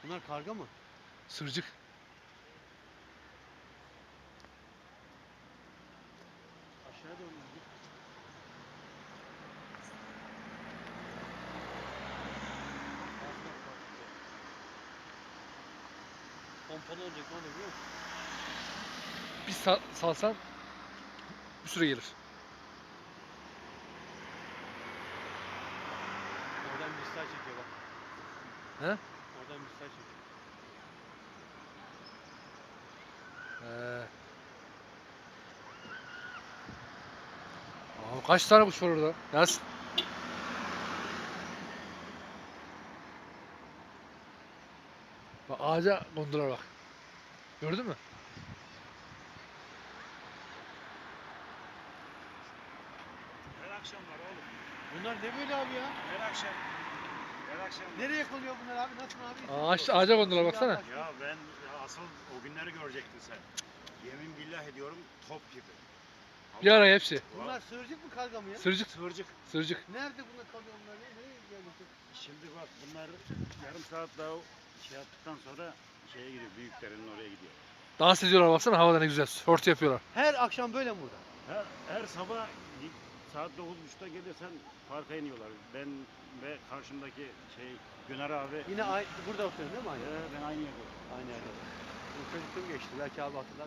Bunlar karga mı? Sırcık. Aşağıya doğru gidiyor. Pompalı olacak, ne oluyor biliyor musun? Bir salsan bir süre gelir. Oradan misal çekiyor bak. He? Oradan misal çekiyor. Kaç tane kuş var orada? Yaz. Bak ağaca kondular bak. Gördün mü? Her akşam var oğlum. Bunlar ne böyle abi ya? Her akşam. Her akşam. Nereye konuyor bunlar abi? Nasıl abi? Ağaca kondular baksana. Ya ben asıl o günleri görecektin sen. Yemin billah ediyorum top gibi. Bir araya hepsi. Bunlar sığırcık mı karga mı ya? Sırcık. Sığırcık. Sırcık. Nerede bunlar kalıyor bunlar? Nereye geldi? Şimdi bak bunlar yarım saat daha şey yaptıktan sonra şeye gidiyor. Büyüklerinin oraya gidiyor. Dans ediyorlar baksana, havada ne güzel. Örtü yapıyorlar. Her akşam böyle mi burada? Her sabah saat 9.30'da gelirsen parka iniyorlar. Ben ve karşımdaki Güner abi. Yine burada oturuyorsun değil mi aynı? Ben aynı yerde. Aynı yerde. Bu çocukluğum geçti. Belki abi hatırlar.